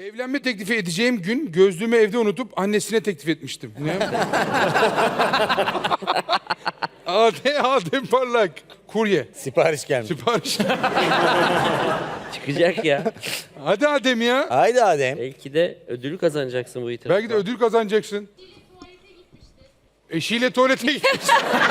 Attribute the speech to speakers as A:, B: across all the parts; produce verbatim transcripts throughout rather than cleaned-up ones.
A: Evlenme teklifi edeceğim gün gözlüğümü evde unutup annesine teklif etmiştim. Ne? Adem, Adem Parlak. Kurye.
B: Sipariş gelmiş.
A: Sipariş.
C: Çıkacak ya.
A: Hadi Adem ya.
B: Haydi Adem.
C: Belki de ödülü kazanacaksın bu itirafla.
A: Belki de ödül kazanacaksın. Eşiyle tuvalete gitmiş.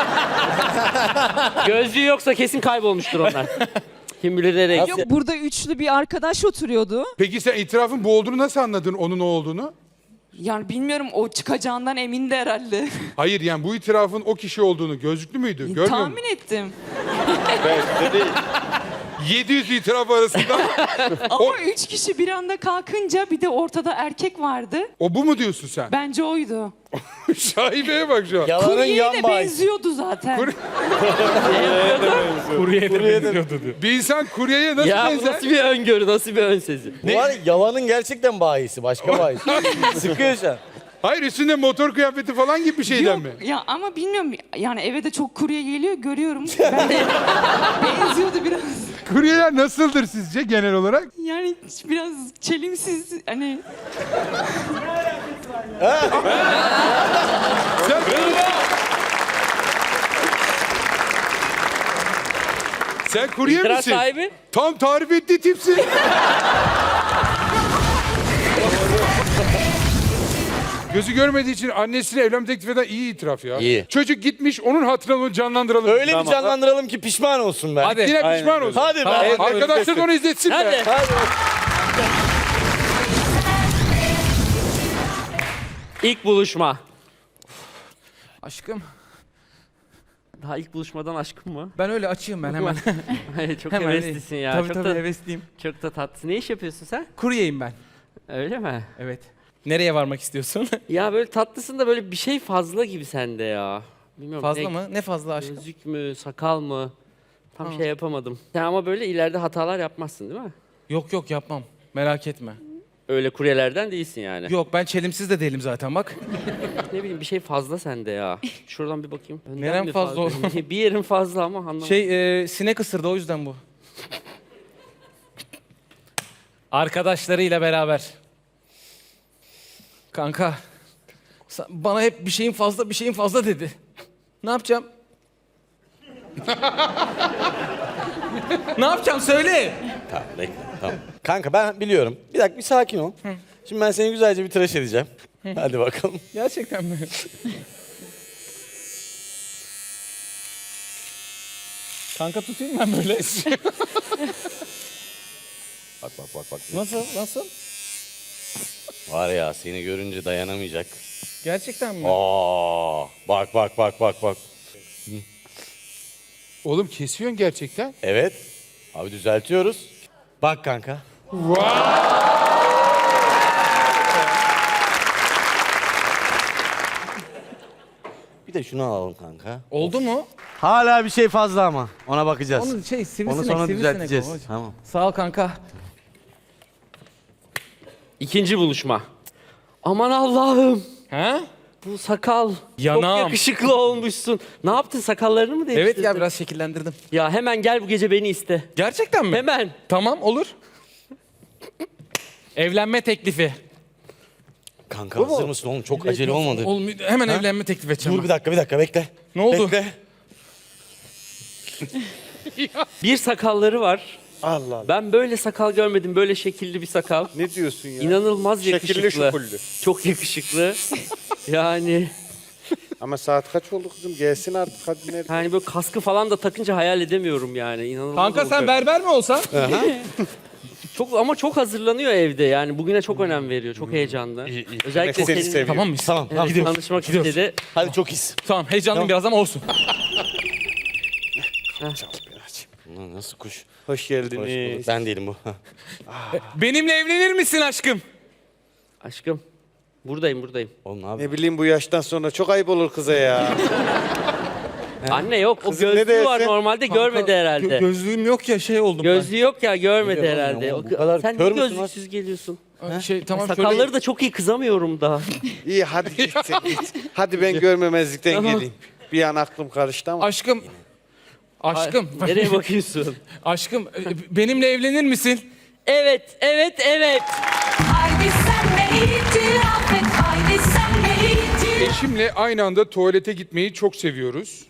C: Gözlüğü yoksa kesin kaybolmuştur onlar. Kim bilir nereye
D: Yok,
C: gitti.
D: burada üçlü bir arkadaş oturuyordu.
A: Peki sen itirafın bu olduğunu nasıl anladın, onun o olduğunu?
D: Yani bilmiyorum, o çıkacağından emindi herhalde.
A: Hayır, yani bu itirafın o kişi olduğunu, gözlüklü müydü? Görmüyor musun?
D: Tahmin ettim.
A: yedi yüz itiraf arasında
D: Ama üç kişi bir anda kalkınca bir de ortada erkek vardı.
A: o bu mu diyorsun sen?
D: Bence oydu.
A: Şaibeye bak şu an.
B: Yalanın
D: Kuryeye
B: yan
D: de
B: bahis.
D: benziyordu zaten.
A: Kur-
E: Kuryeye de benziyordu diyor.
A: Bir insan kuryeye nasıl
C: Ya bu
A: benzer?
C: nasıl bir öngörü, nasıl bir ön sezi?
B: Bu var ya, yalanın gerçekten bahisi. Başka bahis. Sıkıyor şu an.
A: Hayır, üstünde motor kıyafeti falan gibi bir şeyden
D: Yok
A: mi?
D: ya, ama bilmiyorum, yani eve de çok kurye geliyor, görüyorum. Ben de benziyordu biraz.
A: Kuryeler nasıldır sizce genel olarak?
D: Yani biraz çelimsiz, hani
A: Sen... Sen kurye
C: İtiraz
A: misin?
C: sahibi?
A: Tam tarif ettiği tipsin. Gözü görmediği için annesine evlenme teklif eden iyi itiraf ya.
B: İyi.
A: Çocuk gitmiş, onun hatırına onu canlandıralım.
B: Öyle bir canlandıralım ki pişman olsun ben.
E: Hadi.
A: Yine
E: Aynen.
A: pişman olsun.
B: Hadi be.
E: Hadi.
A: Arkadaşlar da onu izletsin
C: Hadi.
A: be.
B: Hadi.
C: İlk buluşma.
E: Aşkım.
C: Daha ilk buluşmadan aşkım mı?
E: Ben öyle açayım ben hemen.
C: Hayır, çok
E: hemen
C: heveslisin ya.
E: Tabii
C: çok
E: tabii
C: da,
E: hevesliyim.
C: çok da tatlısın. Ne iş yapıyorsun sen?
E: Kuryeyim ben.
C: Öyle mi?
E: Evet. Nereye varmak istiyorsun?
C: Ya böyle tatlısın da böyle bir şey fazla gibi sende ya. Bilmiyorum.
E: Fazla
C: ne-
E: mı? Ne fazla aşkım?
C: Gözlük mü, sakal mı? Tam
E: Ha.
C: şey yapamadım. Sen ama böyle ileride hatalar yapmazsın değil mi?
E: Yok yok yapmam. Merak etme.
C: Öyle kuryelerden değilsin yani.
E: Yok, ben çelimsiz de değilim zaten bak.
C: Ne bileyim, bir şey fazla sende ya. Şuradan bir bakayım. Önden
E: Nerem
C: mi
E: fazla oğlum?
C: bir yerin fazla ama anlamadım.
E: Şey e, sinek ısırdı, o yüzden bu. Arkadaşlarıyla beraber. Kanka. sen- Bana hep bir şeyin fazla bir şeyin fazla dedi. Ne yapacağım? Ne yapacağım söyle.
B: Tamam, bekle. Tamam. Kanka ben biliyorum. Bir dakika, bir sakin ol. Şimdi ben seni güzelce bir tıraş edeceğim. Hadi bakalım.
E: Gerçekten mi? Kanka tutayım ben böyle.
B: Bak bak bak bak.
E: Nasıl? Nasıl?
B: Var ya, seni görünce dayanamayacak.
E: Gerçekten mi?
B: Aa, bak bak bak bak bak.
A: Oğlum kesiyorsun gerçekten.
B: Evet. Abi düzeltiyoruz. Bak kanka. Bir de şunu alalım kanka.
E: Oldu mu?
B: Hala bir şey fazla ama. Ona bakacağız.
E: Onu şey sivrisinek,
B: Onu sonra
E: sivrisinek
B: düzelteceğiz.
E: o.
B: Tamam.
E: Sağ ol kanka.
C: İkinci buluşma. Aman Allah'ım.
E: Ha?
C: Bu sakal.
E: Yanağım.
C: Çok yakışıklı olmuşsun. Ne yaptın, sakallarını mı değiştirdin?
E: Evet ya, biraz şekillendirdim.
C: Ya hemen gel bu gece beni iste.
E: Gerçekten mi?
C: Hemen.
E: Tamam, olur. Evlenme teklifi.
B: Kanka hazır mısın oğlum? Çok acele olmadı.
E: Oğlum hemen evlenme teklif edeceğim.
B: Dur bir dakika bir dakika bekle.
E: Ne oldu?
B: Bekle.
C: Bir sakalları var.
F: Allah Allah.
C: Ben böyle sakal görmedim. Böyle şekilli bir sakal.
F: Ne diyorsun ya?
C: İnanılmaz
F: Şekilli
C: yakışıklı.
F: şukullu.
C: Çok yakışıklı. Yani
F: Ama saat kaç oldu kızım? Gelsin artık hadi nerede?
C: yani böyle kaskı falan da takınca hayal edemiyorum yani. İnanılmaz
E: Kanka sen
C: olacak.
E: berber mi olsan?
C: Çok ama çok hazırlanıyor evde yani. Bugüne çok önem veriyor. Çok heyecanlı. Özellikle
F: Seni
C: senin
F: seviyor.
E: Tamam mıyız?
B: Tamam tamam.
C: evet, tanışmak
E: Gidiyoruz.
C: istedi.
B: Hadi çok iyisin.
E: Tamam, heyecanlıyım biraz ama olsun.
B: Ulan nasıl kuş?
F: Hoş
B: Hoş
F: geldiniz.
B: bulduk. Ben değilim bu.
E: Benimle evlenir misin aşkım?
C: Aşkım. Buradayım buradayım.
B: Oğlum abi.
F: Ne bileyim bu yaştan sonra çok ayıp olur kıza ya.
C: Anne yok. O
F: Kızım ne
C: gözlüğü var
F: dersin?
C: normalde görmedi herhalde.
E: Gö- gözlüğüm yok ya, şey oldum
C: Gözlüğü yok ya görmedi
B: Biliyorum
C: herhalde.
B: ya,
C: O-
B: bu kadar
C: sen
B: kör
C: niye
B: müsün lan?
C: gözlüksüz geliyorsun?
E: ben. Şey tamam
C: Sakalları
E: şöyle.
C: da çok iyi, kızamıyorum daha.
F: İyi hadi git sen git. Hadi ben görmemezlikten
C: Tamam.
F: geleyim. Bir an aklım karıştı ama.
E: Aşkım. Aşkım.
C: Nereye bakıyorsun?
E: Aşkım e, benimle evlenir misin?
C: Evet, evet, evet.
D: Haydi
G: itiraf et haydi sen de itiraf.
A: Eşimle aynı anda tuvalete gitmeyi çok seviyoruz.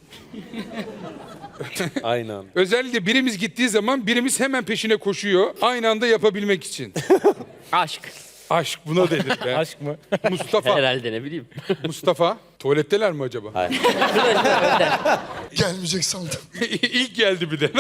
B: Aynen.
A: Özellikle birimiz gittiği zaman birimiz hemen peşine koşuyor. Aynı anda yapabilmek için.
C: Aşk.
A: Aşk buna denir be.
E: Aşk mı?
A: Mustafa.
C: Herhalde ne bileyim.
A: Mustafa. Tuvaletteler mi acaba?
B: Hayır.
H: Gelmeyecek sandım.
A: İlk geldi bir de.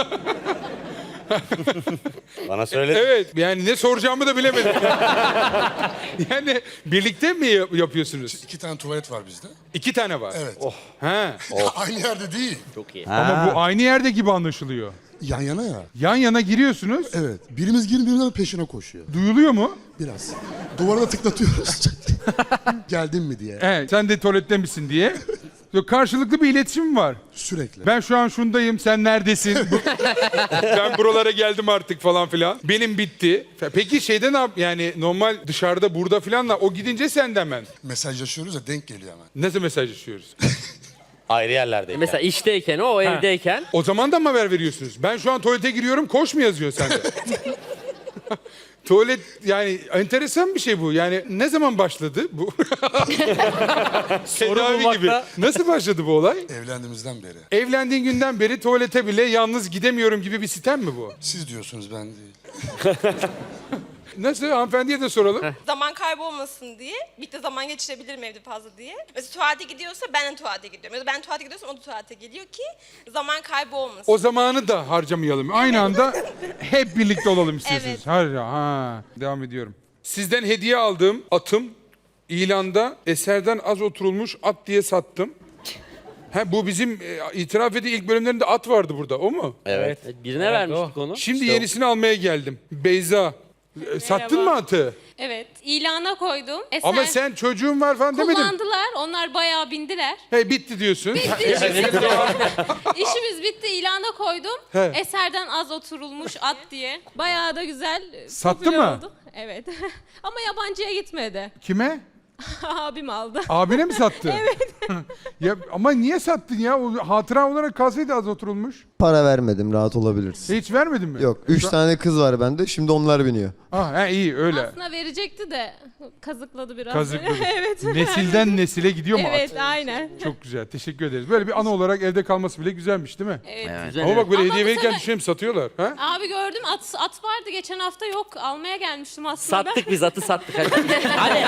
B: Bana söyle.
A: Evet yani ne soracağımı da bilemedim. Yani birlikte mi yap- yapıyorsunuz?
H: İki tane tuvalet var bizde.
A: İki tane var.
H: Evet.
A: Ha.
H: Aynı yerde değil.
C: Çok iyi.
A: Ama bu aynı yerde gibi anlaşılıyor.
H: Yan yana ya.
A: Yan yana giriyorsunuz.
H: Evet. Birimiz girin birimizin peşine koşuyor.
A: Duyuluyor mu?
H: Biraz. Duvara da tıklatıyoruz. Geldin mi diye.
A: Evet. Sen de tuvalette misin diye. Yok, karşılıklı bir iletişim var.
H: Sürekli.
A: Ben şu an şundayım, sen neredesin? Ben buralara geldim artık falan filan. Benim bitti. Peki şeyde ne yap? Yani normal dışarıda burada filanla o gidince sen de hemen.
H: Mesajlaşıyoruz ya denk geliyor hemen.
A: Nasıl mesajlaşıyoruz?
B: Ayrı yerlerdeyim.
C: Mesela işteyken o, o evdeyken.
A: O zaman da mı haber veriyorsunuz? Ben şu an tuvalete giriyorum, koş mu yazıyor sende? Tuvalet yani enteresan bir şey bu. Yani ne zaman başladı bu? Tedavi gibi. Nasıl başladı bu olay?
H: Evlendiğimizden beri.
A: Evlendiğin günden beri tuvalete bile yalnız gidemiyorum gibi bir sitem mi bu?
H: Siz diyorsunuz ben değil.
A: Nasıl? Hanımefendiye de soralım.
I: Zaman kaybolmasın diye. Birlikte zaman geçirebilirim evde fazla diye. Mesela tuvalete gidiyorsa ben de tuvalete gidiyorum. Ya da ben tuvalete gidiyorsam o da tuvalete geliyor ki zaman kaybolmasın.
A: O zamanı da harcamayalım. Aynı anda hep birlikte olalım istiyorsunuz.
I: Evet.
A: Har ha. Devam ediyorum. Sizden hediye aldığım atım ilanda eserden az oturulmuş at diye sattım. Ha, bu bizim e, itiraf ettiği ilk bölümlerinde at vardı burada. O mu?
B: Evet.
C: Evet, birine vermiştik onu.
A: Şimdi yenisini almaya geldim. Beyza. e, Sattın mı atı?
J: Evet, ilana koydum. Eser
A: Ama sen çocuğun var falan demedin.
J: kullandılar, onlar bayağı bindiler.
A: He, bitti diyorsun. Ha,
J: İşimiz bitti, ilana koydum.
A: He.
J: Eserden az oturulmuş at diye. Bayağı da güzel e,
A: Sattı
J: popüler
A: mı?
J: oldu. Evet. Ama yabancıya gitmedi.
A: Kime?
J: Abim aldı.
A: Abine mi sattı? Evet. Ya ama niye sattın ya? O hatıra olarak kalsaydı az oturulmuş.
K: Para vermedim, rahat olabilirsin.
A: Hiç vermedin mi?
K: Yok, üç tane kız var bende, şimdi onlar biniyor.
A: Ah, he, iyi öyle.
J: Aslında verecekti de kazıkladı biraz.
A: Kazıkladı.
J: Evet.
A: Nesilden nesile gidiyor mu
J: Evet,
A: at?
J: aynen.
A: Çok güzel. Teşekkür ederiz. Böyle bir anı olarak evde kalması bile güzelmiş değil mi?
J: Evet.
C: Güzel,
A: Ama bak böyle
J: Ama
A: hediye
J: bu
A: verirken
J: sefer-
A: düşünüyorum satıyorlar. Ha?
J: Abi gördüm at at vardı geçen hafta yok. Almaya gelmiştim aslında.
C: Sattık biz atı sattık. Hadi. Hadi.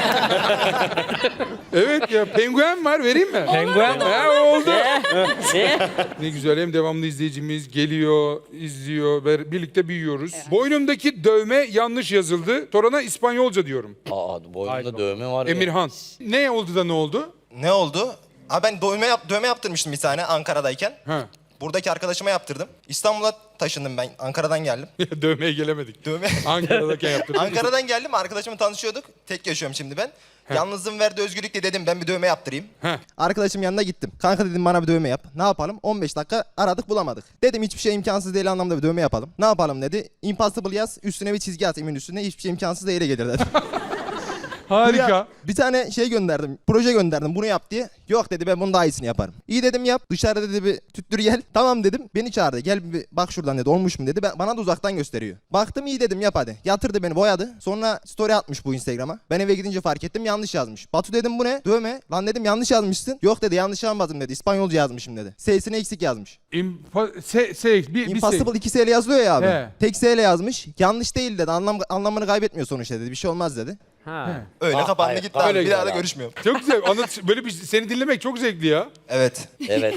A: Evet ya, penguen var, vereyim mi?
E: Penguen mi?
A: Ha, oldu.
C: Ne?
A: Ne güzel, hem devamlı izleyicimiz geliyor, izliyor ve birlikte büyüyoruz. Boynumdaki dövme yanlış yazıldı. Torana İspanyolca diyorum.
B: Aa, boynunda dövme var ya.
A: Emirhan. Ne oldu da ne oldu?
L: Ne oldu? Abi ben dövme, yap, dövme yaptırmıştım bir tane Ankara'dayken.
A: Ha.
L: Buradaki arkadaşıma yaptırdım. İstanbul'a taşındım ben. Ankara'dan geldim.
A: Dövmeye gelemedik.
L: Dövme.
A: Ankara'dayken yaptırdım.
L: Ankara'dan geldim. Arkadaşımla tanışıyorduk. Tek yaşıyorum şimdi ben. Yalnızlığın verdiği özgürlükle dedim ben bir dövme yaptırayım.
A: Heh.
L: Arkadaşım yanına gittim. Kanka dedim bana bir dövme yap. Ne yapalım? on beş dakika aradık bulamadık. Dedim hiçbir şey imkansız değil anlamda bir dövme yapalım. Ne yapalım dedi. Impossible yaz üstüne bir çizgi at imin üstüne. Hiçbir şey imkansız değile gelir dedi.
A: Harika.
L: Ya, bir tane şey gönderdim. Proje gönderdim. Bunu yap diye. Yok dedi ben bunun daha iyisini yaparım. İyi dedim yap. Dışarıda dedi bir tüttür gel. Tamam dedim. Beni çağırdı. Gel bir bak şuradan dedi. Olmuş mu dedi. Ben, bana da uzaktan gösteriyor. Baktım iyi dedim yap hadi. Yatırdı beni boyadı. Sonra story atmış bu Instagram'a. Ben eve gidince fark ettim yanlış yazmış. Batu dedim bu ne? Dövme. Lan dedim yanlış yazmışsın. Yok dedi yanlış yazmadım dedi. İspanyolca yazmışım dedi. S'sini eksik yazmış.
A: İmpa se, se, bir, bir
L: Impossible
A: se.
L: iki S ile yazılıyor ya abi.
A: He.
L: Tek S ile yazmış. Yanlış değil dedi. Anlam, anlamını kaybetmiyor sonuçta dedi. Bir şey olmaz dedi.
C: Ha.
L: Öyle
B: Ah,
L: kapandı
B: hayır,
L: gitti abi.
A: öyle
L: Bir daha da
B: güzel abi.
L: görüşmüyorum.
A: Çok güzel. Anlat, böyle bir seni dinlemek çok zevkli ya.
L: Evet.
B: Evet.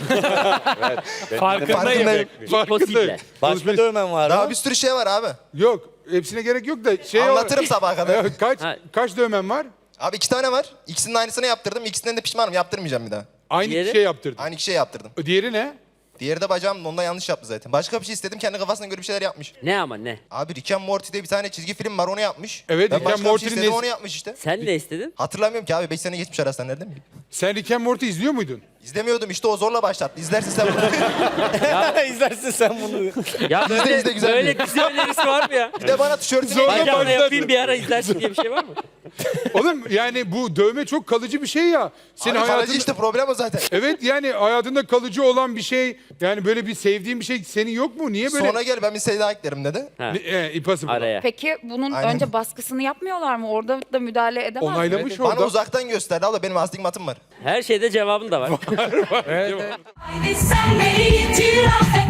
E: Farkındayım.
C: Impossible.
B: Başka dövmen var
L: Daha
B: mı?
L: bir sürü şey var abi.
A: Yok. Hepsine gerek yok da şey
L: Anlatırım sabaha kadar.
A: kaç
C: Ha.
A: kaç dövmen var?
L: Abi iki tane var. İkisinin aynısını yaptırdım. İkisinden de pişmanım. Yaptırmayacağım bir daha.
A: Aynı
C: Diğeri?
A: şey yaptırdın.
L: Aynı iki şey yaptırdım.
A: Diğeri ne?
L: Diğeri de bacağım onda yanlış yaptı zaten. Başka bir şey istedim. Kendi kafasına göre bir şeyler yapmış.
C: Ne ama ne?
L: Abi Rick and Morty diye bir tane çizgi film var onu yapmış.
A: Evet,
L: ben
A: Rick and
L: başka bir
A: Morty'nin
L: şey istedim
A: nes-
L: onu yapmış işte.
C: Sen ne istedin?
L: Hatırlamıyorum ki abi. beş sene geçmiş arasından nereden bileyim.
A: Sen Rick and Morty izliyor muydun?
L: İzlemiyordum işte o zorla başlattı. İzlersin sen bunu.
B: İzlersin sen bunu.
C: Ya böyle,
L: izle, güzel
C: böyle dizi önerisi var mı ya?
L: Bir de bana tişörtünü
A: Zorla
L: hediye-
C: Bacağımla
A: başladı.
C: yapayım bir ara izlersin diye bir şey var mı?
A: Oğlum yani bu dövme çok kalıcı bir şey ya. Senin
L: Abi
A: hayatında...
L: kalıcı işte problem o zaten.
A: Evet yani hayatında kalıcı olan bir şey Yani böyle bir sevdiğin bir şey senin yok mu? Niye böyle?
L: Sonra gel ben bir şey daha eklerim dedi.
C: Ha,
A: Ne- E, impossible.
C: araya.
D: Peki bunun
L: Aynen.
D: önce baskısını yapmıyorlar mı? Orada da müdahale edemez mi?
A: Onaylamış
L: Bana
A: orada.
L: uzaktan gösterdi abla benim astigmatım var.
C: Her şeyde cevabın da var.
G: Haydi sen de itiraf et.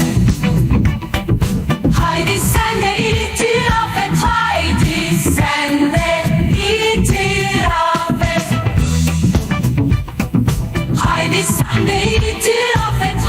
G: Haydi sen de itiraf et. Haydi sen de itiraf et. Haydi sen de itiraf et.